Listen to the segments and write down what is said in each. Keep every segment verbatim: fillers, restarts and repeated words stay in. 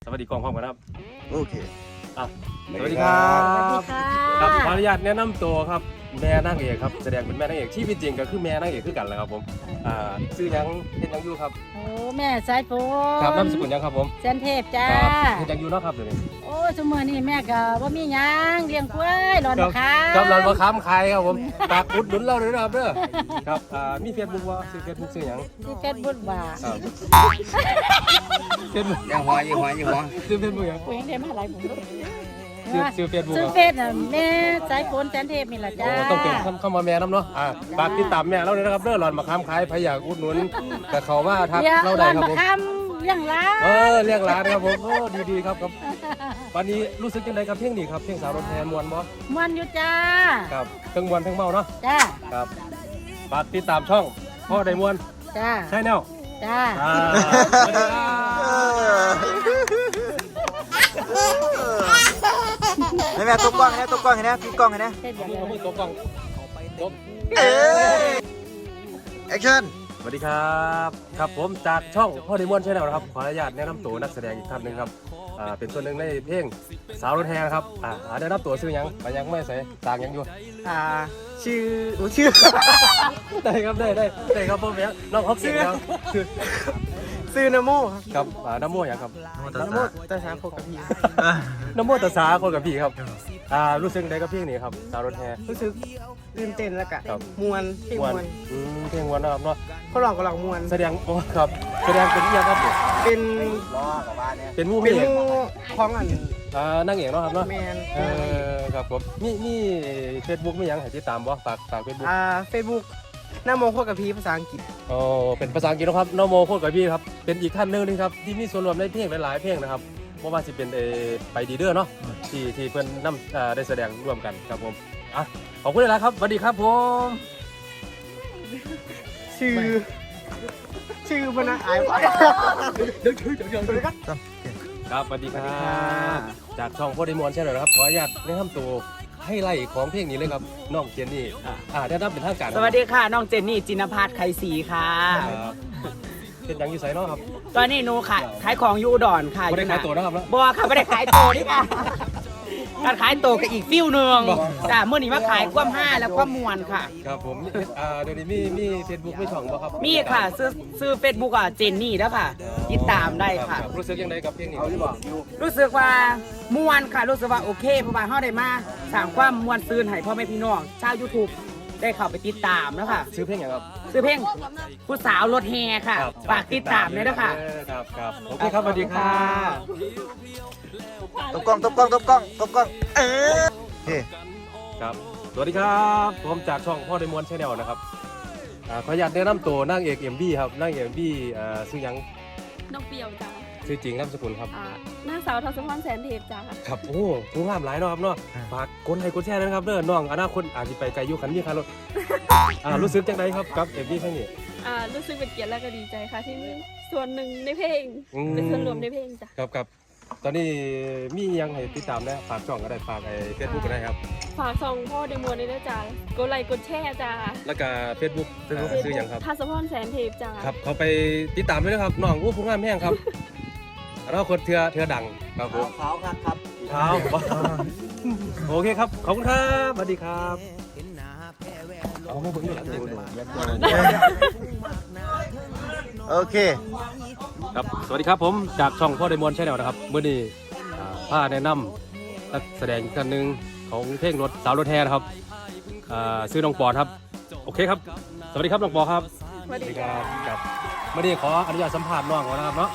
สวัสดีกองพร้อมกันครับโอเคอ่ะสวัสดีครับครับขออนุญาตแนะนำตัวครับแม่นางเอกครับแสดงเป็นแม่นางเอกชีวิตจริงก็คือแม่นางเอกคือกันแหละครับผมอ่าชื่อยังเฮ็ดยังอยู่ครับโอ้แม่สายฝนครับนามสกุลยังครับผมแสนเทพจ้าเฮ็ดยังอยู่เนาะครับเดี๋ยวนี้โอ้ชั่วโมงนี้แม่ก็บ่มีหยังเลี้ยงกล้วยหลอนมะขามครับหลอนมะขามขายครับผมฝากอุดหนุนเราด้วยนะครับเด้อครับอ่ามี Facebook บ่ชื่อ Facebook ชื่อหยังที่เฟซบุ๊กว่าครับเฟซบุ๊กยังหัวยังหัวยังหัวชื่อ Facebook หยังกูยังได้มาหลายผมลูกชื่อชื่อ Facebook ชื่อเฟซน่ะแม่สายฝนแสนเทพนี่ล่ะจ้าโอ้ต้องเป็นเข้ามาแม่นำเนาะอ่าฝากติดตามแม่เราด้วยนะครับเด้อหลอนมะขามขายใครอยากอุดหนุนแต่เขาว่าทักเราได้ครับผมเลี้ยงร้านเออเลี้ยงร้านครับผมโอ้ดีๆครับครับวันนี้รู้สึกยังไงกับเพลงนี้ครับเพลงสาวรถแทนมวนบ่มวนอยู่จ้าครับทั้งมวนทั้งเมาเนาะจ้าครับฝากติดตามช่องพ่อได้มวนจ้าใช่แนวจ้าแม่แม่ตบกล้องนะตบกล้องนะพี่กล้องนะเอามือตบกล้องตบแอคชั่นสวัสดีครับครับผมจากช่องพ่อได้มวนใช่แนวนะครับขออนุญาตแนะนำตัวนักแสดงอีกท่านหนึ่งครับอ่าเป็นส่วนหนึ่งในเพลงสาวรถแทนครับอ่าแนะนำตัวชื่อยังไปยังไม่ใส่ต่างยังอยู่อ่าชื่อชื่อได้ครับได้ได้ได้ครับผมเนี่ยน้องเขาเก่งครับคือซื้อนโมครับน้ำโมอย่างครับน้ำโมตาสาโคกับพี่น้ำโมตาสาคนกับพี่ครับอ่ารู้สึกได้กับเพลงนี้ครับสาวรถแห่รู้สึกตื่นเต้นแล้วกะมวนเพลงมวนอืมเพลงมวนนะครับเนาะเขาลองก็ลองมวนแสดงโอ้ครับแสดงเป็นยังครับเป็นเป็นมูเป็นมูของอันอ่านั่งเอกเนาะครับเนาะแมนเออครับผมมีมีเฟซบุ๊กมียังให้ติดตามบ่ฝากฝากเฟซบุ๊กอ่าเฟซบุ๊กน้าโมโคกับพี่ภาษาอังกฤษอ๋อเป็นภาษาอังกฤษนะครับน้าโมโคกับพี่ครับเป็นอีกท่านหนึ่งนะครับที่มีส่วนร่วมในเพลงหลายๆเพลงนะครับเพราะว่าสิเป็นเอไปดีเดอร์เนาะที่ที่เพื่อนนำได้แสดงร่วมกันครับผมอ่ะขอบคุณหลายครับสวัสดีครับผมชื่อชื่อพนักอายเดี๋ยวชื่อเดี๋ยวเดี๋ยวครับครับสวัสดีครับจากช่องโพดิมอนใช่ไหมครับขออนุญาตแนะนำตัวให้ไล่ของเพลงนี้เลยครับน้องเจนนี่อ่าได้รับเป็นทางการสวัสดีค่ะน้องเจนนี่จินภัทรไข่ศรีค่ะเป็นยังอยู่ไสเนาะครับตอนนี้หนูขายขายของอยู่อุดรค่ะไม่ได้ขายตัวนะครับบ่ค่ะไม่ได้ขายตัวนี่ค่ะการขายตัวกับอีกฟิวหนึ่งจ้าเมื่อนี้มาขายความห้าแล้วความมวลค่ะครับผมอ่าเดี๋ยวนี้มีมีเฟซบุ๊กมีช่องบ่ครับมีค่ะซื้อซื้อเฟซบุ๊กอ่ะเจนนี่แล้วค่ะติดตามได้ค่ะรู้สึกยังไงกับเพลงนี้รู้สึกว่ามวลค่ะรู้สึกว่าโอเคเพราะว่าเฮาได้มาสร้างความมวลซื่นให้พ่อแม่พี่น้องชาว YouTube ได้เข้าไปติดตามแล้วค่ะซื้อเพลงอย่างครับซื้อเพลงผู้สาวรถแห่ค่ะฝากติดตามเลยนะคะครับครับโอเคครับสวัสดีค่ะตบกล้องตบกล้องตบกล้องตบกล้องเออโอเคครับสวัสดีครับผมจากช่องพ่อไดมอนด์ชาแนลนะครับขออนุญาตแนะนำตัวนางเอกเอ็มบีครับนางเอกเอ็มบีชื่อยังน้องเปียวจ้าชื่อจริงนามสกุลครับนางสาวทัศพรแสนเทพจ้าครับโอ้ผู้งามหลายเนาะครับเนาะฝากกดไลค์กดแชร์นะครับเด้อน้องอนาคตอาจจะไปไกลยุคันนี้ครับรถรู้สึกจังไดครับกับเอ็มบีครั้งนี้รู้สึกเป็นเกียรติและก็ดีใจค่ะที่ส่วนหนึ่งในเพลงเป็นส่วนรวมในเพลงจ้ะครับครับตอนนี้มียังให้ติดตามได้ฝากช่องก็ได้ฝากไอ้เฟซบุ๊กก็ได้ครับฝากช่องพ่อเดมอนได้จ้ากดไลค์กดแชร์จ้าแล้วก็เฟซบุ๊กชื่อยังครับทัศพรแสนเทพจ้าครับเขาไปติดตามด้วยนะครับน้องผู้ผู้งามแห้งครับเราคนเถื่อเถื่อดังครับผมเท้าครับครับเท้าโอเคครับขอบคุณครับสวัสดีครับเอาไม่ผมอยู่หลังโอเคครับสวัสดีครับผมจากช่องพ่อไดมอนด์ชาแนลนะครับเมื่อนี้ผ้าแนะนำนักแสดงอีกท่านหนึ่งของเพลงรถสาวรถแห่นะครับชื่อน้องปอนครับโอเคครับสวัสดีครับน้องปอครับสวัสดีครับครับเมื่อนี้ขออนุญาตสัมภาษณ์น้องก่อนนะครับเนาะ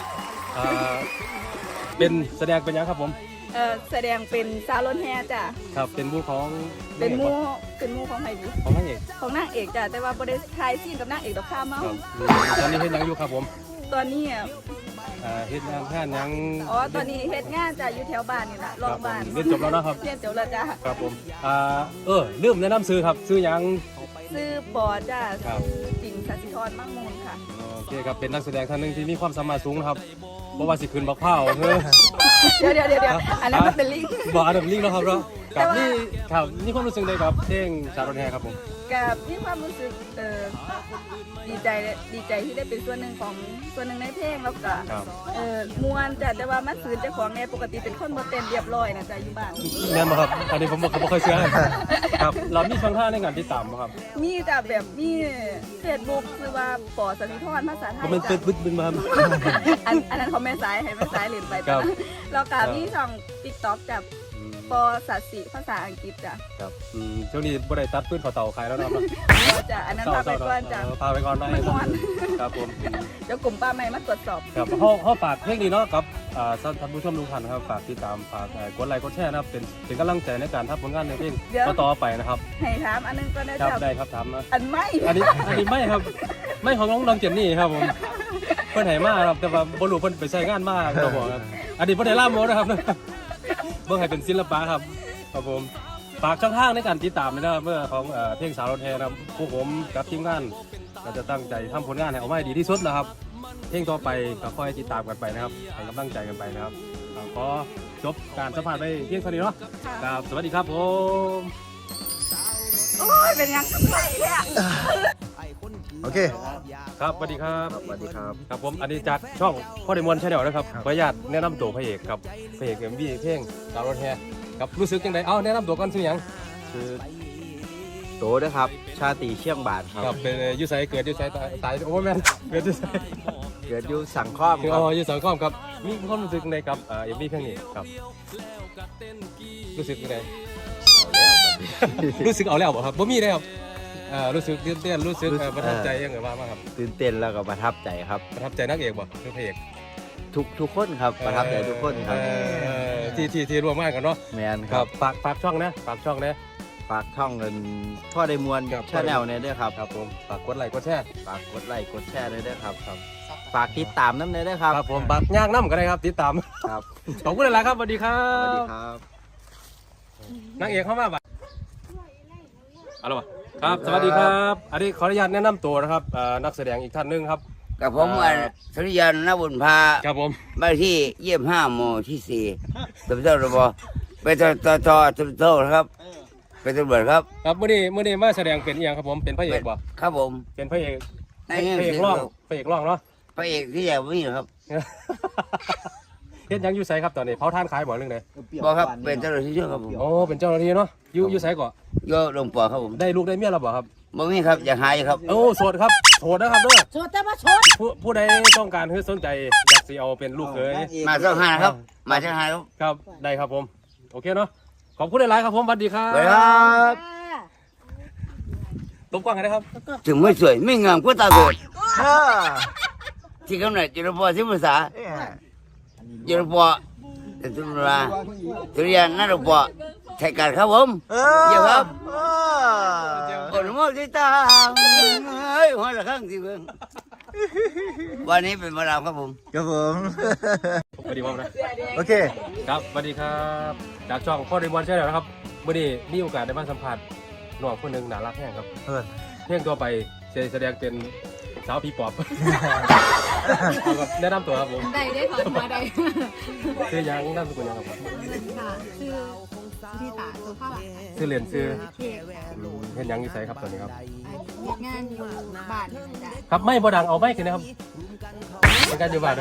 เป็นแสดงเป็นยังครับผมเออแสดงเป็นสาวรถแห่จ้ะครับเป็นมูของเป็นมูเป็นมูของใครดีของนางเอกของนางเอกจ้ะแต่ว่าบริษัทไทยซีนกับนางเอกดอกข้ามเมาตอนนี้เฮ็ดยังอยู่ครับผมตอนนี้เฮ็ดงานงานยังอ๋อตอนนี้เฮ็ดงานจ้ะอยู่แถวบ้านนี่แหละรอบบ้านเรียนจบแล้วนะครับเรียนจบแล้วจ้ะครับผมอ่าเออลืมแนะนำซื้อครับซื้อยังซื้อปอจ้ะซื้อจินสัสิธรมั่งมูลค่ะโอเคครับเป็นนักแสดงท่านหนึ่งที่มีความสามารถสูงนะครับเพราะว่าสิขึ้นบักเผาเฮ้ยเดี๋ยวเดี๋ยวเดี๋ยวอันนั้นมันเป็นลิงบอกอันนั้นลิงแล้วครับเนาะกับนี่ครับนี่ความรู้สึกเลยครับเพลงสาวรถแห่ครับผมกับมีความรู้สึกเออดีใจดีใจที่ได้เป็นส่วนหนึ่งของส่วนหนึ่งในเพลงแล้วก็ครับเออมวนจ้ะแต่ว่ามันสื่อเจ้าของไงปกติเป็นคนบ่เต้นเรียบร้อยนะจ้ะอยู่บ้านแน่นบ่ครับอันนี้ผมบ่บ่เคยเชื่อครับเรามีช่องทางในการติดตามบ่ครับมีจ้ะแบบมีเฟซบุ๊กคือว่าปอสนิทรภาษาไทก็ยมันเป็จ้ะนบึ้ดบึ้นมาครับอันอันนั้นเขาแม่สายให้แม่สายเล่นไปครัจ้ะบแล้วก็มีช่อง TikTok จ้ะปอสัตสิภาษาอังกฤษจ้ะครับอืมช่วงนี้บ่ได้ตัดปืนเขาเต่าขายแล้วเนาะจ้ะอันนั้นพาไปก่อนจ้ะพาไปก่อนได้ไม่ม่วนครับผมเดี๋ยวกลุ่มป้าใหม่มาตรวจสอบครับเฮาเฮาฝากเพลงนี้เนาะกับอ่าท่านผู้ชมทุกท่านนะครับฝากติดตามฝากเอ่อกดไลค์กดแชร์นะครับเป็นเป็นกำลังใจในการทำผลงานในเพลงต่อๆไปนะครับให้ถามอันนึงก็ได้ครับจ้ะได้ครับถามนะอันไม่อันนี้อันนี้ไม่ครับไม่ของน้องน้องเจนนี่ครับผมเพิ่นให้มาครับแต่ว่าบ่รู้เพิ่นไปใช้งานมาก็บอกครับอันนี้บ่ได้ล่ามโมนะครับเบิ่งให้เป็นศิลปะครับครับผมฝากช่องทางในการติดตามนะครับเมื่อของเอ่อเพลงสาวรถแห่นะครับพวกผมกับทีมงานก็จะตั้งใจทำผลงานให้ออกมาให้ดีที่สุดนะครับเพลงต่อไปก็คอยติดตามกันไปนะครับให้กำลังใจกันไปนะครับอ่าขอจบการสัมภาษณ์ไปเพียงเท่านี้เนาะครับสวัสดีครับผมโอ้ยเป็นยังไงเนี่ยโอเคครับสวัสดีครับสวัสดีครับครับผมอันนี้จากช่องพ่อเดมอนชาแนลนะครับขออนุญาตแนะนำตัวพระเอกครับพระเอกเอ็มวีเพลงสาวรถแห่ครับรู้สึกยังไงเอ้าแนะนำตัวก่อนสิหยังคือโตนะครับ ชาติเชียงบาทคครัรับบเป็นอยูไซเกิดอยูไซตายตายโอ้แม่นเกิดอยูไซเกิดอยู่สังข้อมคือครัอ๋บออยูสังคมครับมีความรู้สึกยังไงกับเอ็มวีเพลงนี้ครับรู้สึกยังไงรู้สึกเอาแล้วบ่ครับบ่มีเลยครับเอ่อรู้สึกตื่นเต้นรู้สึกเอ่อประทับใจยังไงบ้างครับตื่นเต้นแล้วก็ประทับใจครับประทับใจนักเอกบ่คือพระเอกทุกทุกคนครับประทับใจทุกคนครับเอ่อที่ที่ที่ร่วมงานกันเนาะแมนคครัรับบ ฝากฝากช่องนะฝากช่องนะฝากช่องเงินพ่อได้มวลครับชาแนลเนี่ยด้วยครับครับผมฝากกดไลค์กดแชร์ฝากกดไลค์กดแชร์เลยด้วยครับครับฝากติดตามน้ำเลยด้วยครับครับผมฝากย่างน้ำก็ได้ครับติดตามครับขอบคุณหลายๆครับสวัสดีครัสวัสดีบครับนางเอกเข้ามาบ่ะเอาละวะครับสวัสดีครับอันนี้ขออนุญาตแนะนำตัวนะครับเอ่อนักแสดงอีกท่านหนึงครับกับผมอ่าอ่ะสุริยันนบุญพาครับผมบ้านที่เยี่ยมห้าหมู่ที่สี่ตำรวจระบไปตตตตำรวจครับเป็นตำรวจครับครับมื่อนี้มื่อนี้มาแสดงเป็นอหย่างครับผมเป็นพระเอกบ่ครับผมเป็นพระเอกในพเรื่องระเอกเสียงร้องลูกพระเอกร้องเนาะพระเอกที่ใหญ่ไม่มีหรอกครับเฮ็ดหยังอยู่ไสครับตอนนี้เผาท่านขายบ่เรื่องใดบอกครับเป็นตำรวจที่ช่วยครับผมโอ้เป็นเจ้าหน้าที่เนาะอยู่อยู่ไสก่อโยลงปอครับผมได้ลูกได้เมียแล้วบ่ครับบ่มีครับอยากหายครับโอ้โสดครับโสดนะครับเด้อโชดแต่ว่าโชดผู้ผู้ใดต้องการคือสนใจอยากสิเอาเป็นลูกเขยมาเจ้าหาครับ มาเจ้าหาครับครับได้ครับผมโอเคเนาะขอบคุณหลายๆครับผมสวัสดีครับสวัสดีครับตบกว้างกันนะครับถึงไม่สวยไม่งามก็ตาเกิดที่กำเนิดจุลปอที่ภาษาจุลปอแต่ตุลาสุริยันนบุญพาไทยการครับผมเยี่ยมครับ คนมองที่ตาเฮ้ยหัวละข้างสิเบิ่งวันนี้เป็นมาดามครับผมครับผมสวัสดีครับนะโอเคครับสวัสดีครับจากช่องพ่อเดมอนใช่แล้วนะครับวันนี้มีโอกาสได้มาสัมผัสหนุ่มคนหนึ่งน่ารักแห้งครับเออเพลงตัวไปแสดงเป็นสาวผีปอบ เอาครับแนะนำตัวครับผมได้ได้ถอนมาได้ชื่อยังนามสกุลยังครับค่ะชื่อที่ตาสุภาพอ่ะชื่อเรียนชื่อเขตอืมเห็นยังอยู่ไสครับตอนนี้ครับงานอยู่บ้านจ้ะครับไม่บดังเอาไม่ขึ้นนะครับเป็นการอยู่บ้าน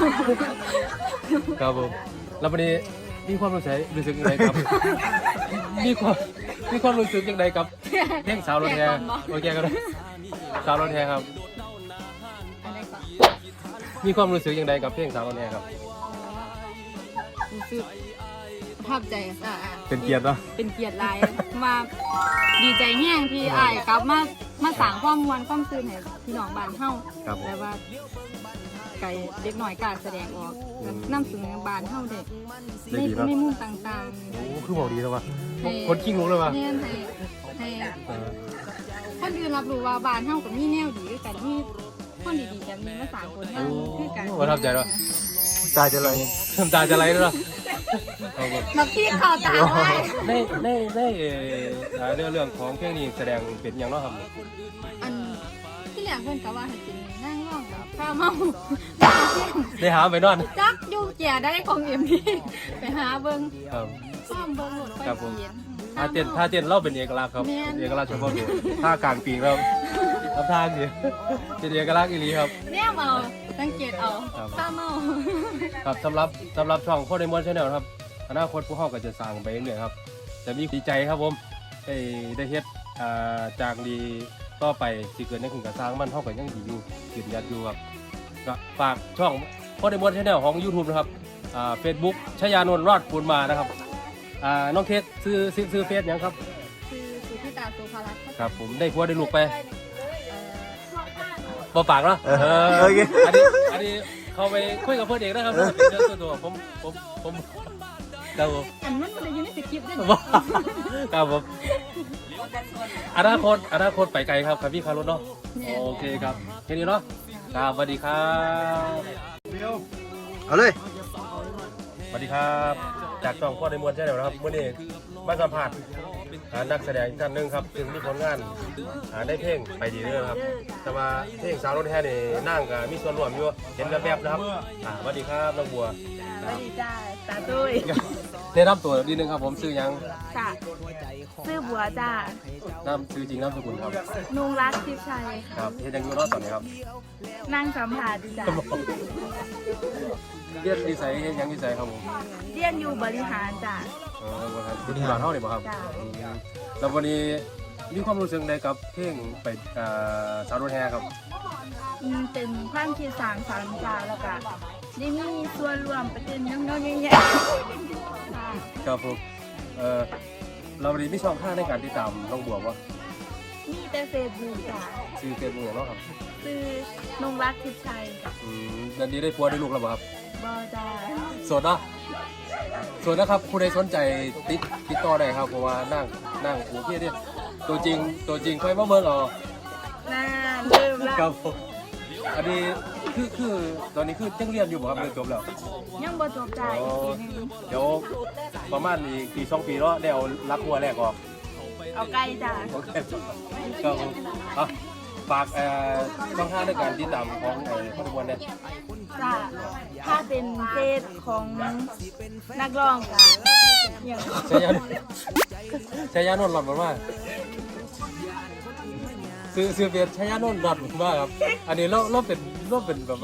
นะครับผมแล้ววันนี้มีความรู้สึกรู้สึกยังไงครับ มีความมีความรู้สึกยังไงกับเพลงสาวรถแห่โอเคกันเลยสาวรถแห่ครับอะไรก่อนมีความรู้สึกยังไงกับเพลงสาวรถแห่ครับรู้สึกประทับใจอ่ะเป็นเกียรติเนาะเป็นเกียรติหลายมาดีใจแห้งที่อ้ายกลับมามาสั่งความมวลความซื่นให้พี่น้องบ้านเฮาครับแต่ว่าไก่เด็กหน่อยกล้ารแสดงออกนำเสนอบ้านเฮาเด็กในในมุมต่างๆโอ้คือบอกดีแล้วว่ะให้คนขี้งกเลยว่ะแน่นให้ให้เออคนอื่นรับรู้ว่าบ้านเฮากับมีแนวดีด้วยกันมีคนดีๆกันมีมาสามคนนั่งคือกันประทับใจด้วยตายจะเลยน้ำตาจะไหลด้วยเนาะเอาครับมาพี่ข่าวตาไว้ในในในเอ่อเรื่องเรื่องของเพลงนี้แสดงเป็นอย่างเนาะครับอันที่แรกเพิ่นก็ว่าให้เป็นนั่งร้องแบบข้าวเมาได้หาไปนอนจักอยู่แก่ได้ของเอ็มพีไปหาเบิ่งครับซ้อมเบิ่งหมดไปครับผมเขียนท่าเต้นท่าเต้นเราเป็นเอกลักษณ์ครับเป็นเอกลักษณ์เฉพาะตัวท่ากลางปีกเราทำท่าสิเป็นเอกลักษณ์อีหลีครับแม่เมาสังเกตเอาข้าเมาครับสำหรับสำหรับช่องพ่อไดมอนด์ชาแนลครับอนาคตพวกเขาก็จะสร้างไปเรื่อยๆครับจะมีดีใจครับผมได้ได้เฮ็ดอ่าจากดีต่อไปสิเกิดในขึ้นกับสร้างมันเท่ากับยังดีอยู่ยืนยันอยู่ครับก็ฝากช่องพ่อไดมอนด์ชาแนลของ YouTube นะครับอ่า Facebook ชยานนท์รอดปูนมานะครับอ่าน้องเคสซื้อซื้อซื้อเฟซยังครับคือสุธิตาสุภารัตน์ครับผมได้ผัวได้ลูกไปเอ่อบ่ปากเนาะเออโอเคอันนี้อันนี้เขาไปคุยกับเพื่อนเองนะครับเป็นเรื่องส่วนตัวผมผมผมครับผมอันนั้นมันอยู่ในสคริปต์ด้วยว่า ครับผมอนาคตอนาคตไปไกลครับครับพี่คารถเนาะโอเคครับแค่นี้เนาะครับสวัสดีครับเอาเลยสวัสดีครับจากช่องพ่อในมวลใช่ไหมครับวันนี้มาสัมผัสนักแสดงท่านหนึ่งครับซึ่งมีผลงานได้เพลงไปดีเลยครับแต่ว่าเพลงสาวรถแห่นี่นั่งกับมีส่วนร่วมอยู่เห็นแบบๆนะครับสวัสดีครับน้องบัวสวัสดีจ้าตาตุ้ยได้รับตัวนิดนึงครับผมซื้อยังจ้าซื้อบัวจ้าน้ำซื้อจริงน้ำสกุลครับนุงรักทิพย์ชัยครับเฮ็ดยังอยู่รอดตอนนี้ครับนั่งสัมผัสจ้าเรียนดีไซน์เฮ็ดยังดีไซน์ครับผมเรียนอยู่บริหารจ้าเออบ่ครับที่บ้านเฮานี่บ่ครับจ้ะอืมแล้ววันนี้มีความรู้สึกใดกับเพลงไปอ่าสาวรถแห่ครับอืมเป็นความคิดสร้างสรรค์จ้าแล้วก็ได้มีส่วนร่วมประเด็นน้องๆใหญ่ๆจ้าครับผมเออเราวันนี้มีช่องทางในการติดตามน้องบัวบ่มีแต่เฟซบุ๊กจ้าชื่อเฟซบุ๊กหยังเนาะครับซื้อนงรักทิพย์ชัยอืมเดือนนี้ได้ผัวได้ลูกแล้วบ่ครับบอจ้าโสดเนาะโสดนะครับผู้ใดสนใจติดติดต่อได้ครับเพราะว่านั่งนั่งโอเคเด้ตัวจริงตัวจริงค่อยมาเบิ่งเอาน่าเริ่มละครับผมอันนี้คือคือตอนนี้คือยังเรียนอยู่บ่ครับเรียนจบแล้วยังบ่จบจ้าอีกปีหนึงเดี๋ยวประมาณอีกปีสองปีเนาะได้เอารักหัวแรกออกเอาใกล้จ้าโอเคก็อ่ะฝากเอ่อช่องทางในการติดตามของไอ้พ่อทุกคนเนี่ยจ้าถ้าเป็นเฟซของนักร้องจ้าอย่างใช้ยานใช้ยานนท์หลอดมันว่าซื้อซื้อเฟียใช้ยานนท์หลอดมันว่าครับอันนี้เราเราเป็นเราเป็นแบบว่า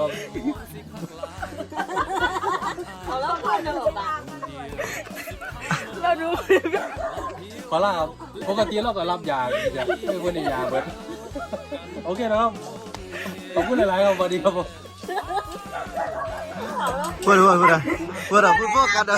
เราดูขอลาครับปกติเราก็รับยาอยากไม่ควรยาเบิดโอเคนะครับขอบคุณหลายๆครับสวัสดีครับผมพูดพูดพูดนะพูดนะพูดพวกกันนะ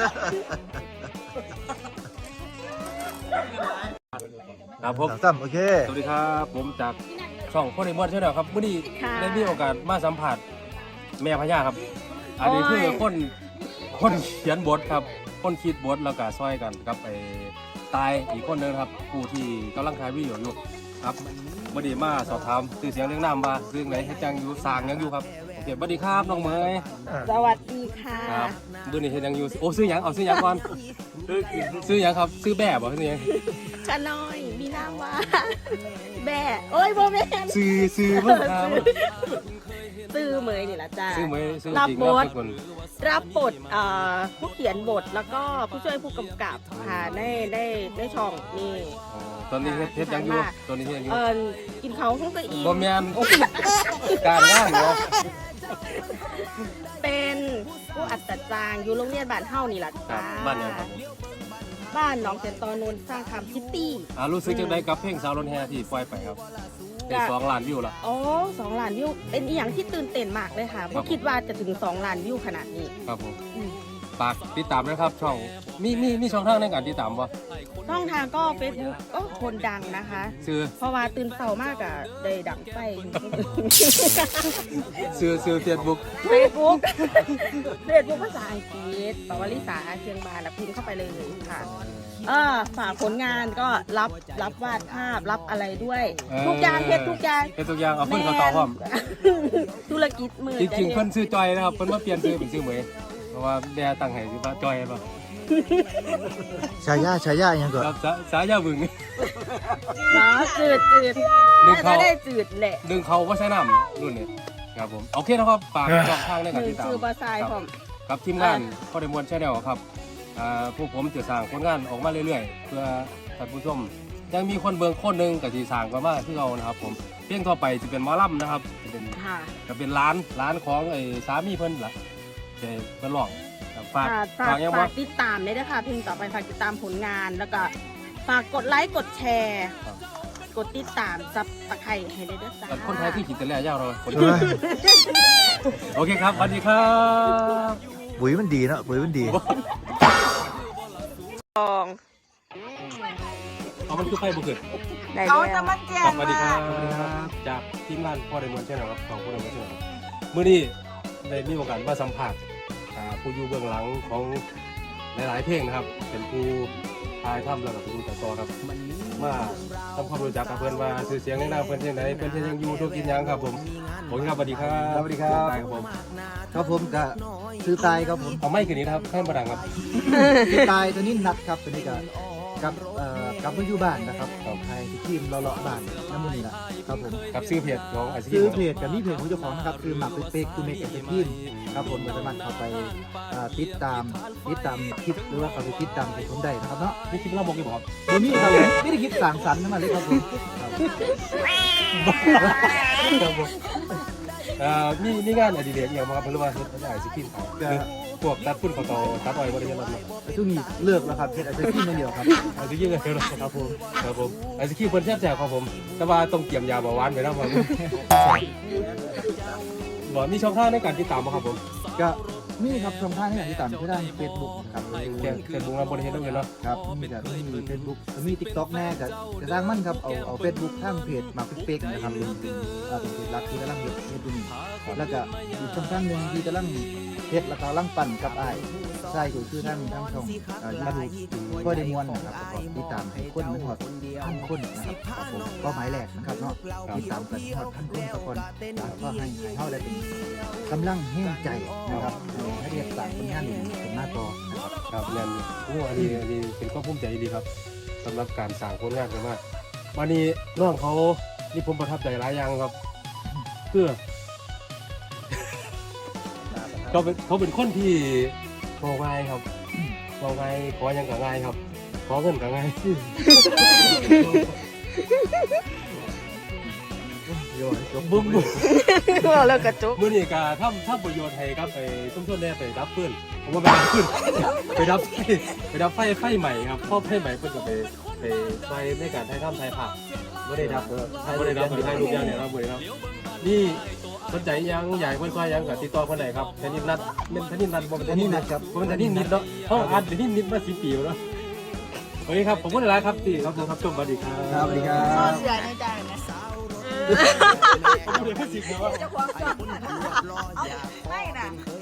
ครับผมตั้มโอเคสวัสดีครับผมจากช่องพ่อในมวลใช่ไหมครับวันนี้ได้มีโอกาสมาสัมผัสแม่พญาครับ อันนี้คือคนคนเขียนบทครับ คนคิดบทแล้วก็ซอยกันกับไอ้ตายอีกคนหนึงครับผู้ที่กำลังถ่ายวิดีโออยู่ครับวันนี้มาสอบถามสื่อเสียงเรื่องน้ำว่าเรื่องไหนให้จังอยู่สร้างยังอยู่ครับโอเคสวัสดีครับน้องเมยสวัสดีค่ะครับวันนี้เฮ็ดยังอยู่โอ้ซื้อหยังเอาซื้อหยังก่อนซื้อหยังครับซื้อแบบบ่ซื้อหยังชะน้อยมีนามว่าแบ่โอ้ยโบแม่นซื้อซื้อเพิ่งครับซื้อเหมยนี่ละจ้าซื้อเมยซื้อรับจริงบครับททุกคนรับบทเอ่อผู้เขียนบทแล้วก็ผู้ช่วยผู้กำกับค่ะได้ได้ได้ช่องนี่อ๋อตอนนี้เฮ็ดเฮ็ดหยังอยู่ตอนนี้เฮ็ดหยังอยู่เออกินเขาห้องตัวอีกบ่แม่นการงานเนาะเป็นผู้อัศจรรย์อยู่โรงเรียนบ้านเฮ้านี่ล่ะครัจ้าบบ้านหยังครับผมบ้านหนองเซนตอนนนท์สร้างคำคิตตี้อ่ารู้สึกจังไดกับเพลงสาวรถแห่ที่ปล่อยไปครับได้สองล้านวิวละอ๋อสองล้านวิวเป็นอีหยังที่ตื่นเต้นมากเลยค่ะเพราะคิดว่าจะถึงสองล้านวิวขนาดนี้ครับผมอืมฝากติดตามนะครับช่องมีมีมีช่องทางในการติดตามบ่ช่องทางก็เฟซบุ๊กก็คนดังนะคะชื่อเพราะว่าตื่นเช้ามากอะได้ดังไฟชื่อชื่อ Facebook เฟซบุ๊กเฟซบุ๊กภาษาอังกฤษปวลิสาเชียงบานแล้วพิมพ์เข้าไปเลยค่ะเออฝากผลงานก็รับรับวาดภาพรับอะไรด้วย ทุกอย่างเฮ็ดทุกอย่างเฮ็ดทุกอย่างเอาเพิ่นเขาต่อพร้อมธุรกิจมือจริงๆเพิ่นชื่อจอยนะครับเพิ่นมาเปลี่ยนชื่อเป็นชื่อเหมยเพราะว่าแม่ตั้งให้ชื่อว่าจอยป่ะชายาชายาอย่างก่อนครับสาสายาบึงเนาะจืดจืดดึงน่าเขาจะได้จืดแหละดึงเขาว่าใช้น้ำรุ่นนี้ครับผมโอเคนะครับฝากช่องทางในการมือติดตามซื้อบาทรายผมครับทีมงานพ่อได้มวลแชนแนลครับอ่าพวกผมจะสร้างผลงานออกมาเรื่อยๆ เพื่อท่านผู้ชมยังมีคนเบิ่งคนหนึงกับที่สร้างก็มาคือเรานะครับผมเพลงต่อไปจะเป็นหมอลำนะครับจะเป็นค่ะจะเป็นร้านร้านของไอ้สามีเพิ่นล่ะจะเพิ่นร้องครับฝากค่ะฝากฝากยังฝาบ่กติดตามเลยนะคะเพลงต่อไปฝากติดตามผลงาน แล้วก็ฝากกดไลค์กดแชร์ กดติดตามซับตะไคร้ให้ได้ด้วยจ้าแต่คนไทยที่ขีดแต่แรกยาวเลยคนโอเคครับสวัสดีครับปุ๋ยมันดีเนาะปุ๋ยมันดีลองเอามันคือไฟบุกเกิดได้เขาแล้จะวมาแจ้ครังบสวัสดีครับจากทีมงานพ่อไดมอนด์ใช่ไหมครับของพ่อไดมอนด์ใช่ไหมครับมื้อนี้ได้มีโอกาสมาสัมผัสอ่าผู้อยู่เบื้องหลังของหลายๆเพลงนะครับ เป็นผู้ทายทำแล้วก็เป็นผู้ตัดต่อครับมาทำความรู้จักกับเพื่อนว่าชื่อเสียงในนามเพื่อนที่ไหนเพื่อนที่ยังอยู่ทุกกินยังครับผมผมครับสวัสดีครับสวัสดีครับตายครับผมครับผมก็ซื้อตายครับผมเอาไม่คืนนี้นะครับให้มาดังครับซื้อตายตัวนี้นัดครับตัวนี้ก็กับเอ่อกลับมาอยู่บ้านนะครับของไทยที่ทีมเราเลาะบ้านน้ำมันนี่แหละครับผมกับซื้อเพจของไอซีซื้อเพจกับนี่เพจของเจ้าของนะครับคือหมักเป๊กๆคือเมกเอ็นทีมครับผมก็สามารถเข้าไปเอ่อติดตามติดตามคลิปหรือว่าเข้าไปติดตามเพจผมได้นะครับเนาะนี่คิดเล่าบอกกี่บอกครับวันนี้ครับผมไม่ได้คิดสั่งสรรค์นั่นมาเลยครับผมครับครับผมเอ่อมีมีงานอดิเรกอย่างมาครับหรือว่าเฮ็ดไอซีคิมครับคือพวกตัดพุ่นเขาตอตัดอ้อยบริเวณนั้นแต่ช่วงนี้เลิกแล้วครับเพจอาจจะทีมอย่างเดียวครับไอซีคิมเลยครับผมครับผมไอซีคิมเพิ่นแซ่บแซ่บครับผมแต่ว่าต้องเตรียมยาเบาหวานไว้นะผมบ่มีช่องทางในการติดตามบ่ครับผมก็นี่ครับช่องทางที่ติดตามที่ด้านเฟซบุ๊กครับแค่เฟซบุ๊กเราบริเวณตรงนี้เนาะครับมีแต่มีเฟซบุ๊กมีทิกต็อกแน่จะจะสร้างมั่นครับเอาเอาเฟซบุ๊กทางเพจมาเป๊กๆนะครับเป็นเป็นอ่าเป็นเพจหลักที่กำลังเฮ็ดเฮ็ดอยู่นี่แล้วก็อีกช่องทางหนึ่งที่กำลังเฮ็ดแล้วก็กำลังปั่นกับอ้ายใช่ก็คือทางทางช่องอ่ายูทูบก็ได้มวนนะครับแล้วก็ติดตามให้คนมันฮอดพันคนนะครับครับผมเป้าหมายแรกนะครับเนาะติดตามกันฮอดพันคนสักคนแล้วก็ให้ให้เฮาได้เป็นกำลังแห่งใจนะครับให้เรียกสร้างผลงานนี้ขึ้นมาต่อนะครับครับเรียนโอ้อันนี้อันนี้เป็นความภูมิใจดีครับสำหรับการสร้างผลงานกันมากวันนี้น้องเขานี่ผมประทับใจหลายอย่างครับคือ เขาเป็นเขาเป็นคนที่โง่ง่ายครับโง่ง่ายขอหยังก็ง่ายครับ ขอเงินก็ง่ายโยนจบบุ้มบุ้มแล้วกระจุกมื่อนี้ก็ทำทำประโยชน์ให้ครับไปต้มต้นแน่ไปดับฟืนผมว่าไปดับฟืน ไปดับไฟไปดับไฟไฟใหม่ครับเพราะไฟใหม่เพิ่นก็ไปไปไฟในการถ่ายทำถ่ายภาพไม่ได้ดับไม่ได้ดับไปถ่ายรูปอย่างเดียวครับเว้ยครับนี่สนใจยังใหญ่เพิ่นก็ยังกับติดต่อเพิ่นได้ครับแทนนิดนัดเป็นแทนนิดนัดบ่เป็นแทนนิดนัดครับบ่เป็นแทนนิดนิดเนาะเฮาอัดแทนนิดนิดมาสิบปีแล้วเนาะโอเคครับผมพูดหลายครับที่ครับผมครับชมสวัสดีครับครับสวัสดีครับเสียในใจนะผมพูดได้แค่สิบนะว่าเจ้าของชอบไม่นะ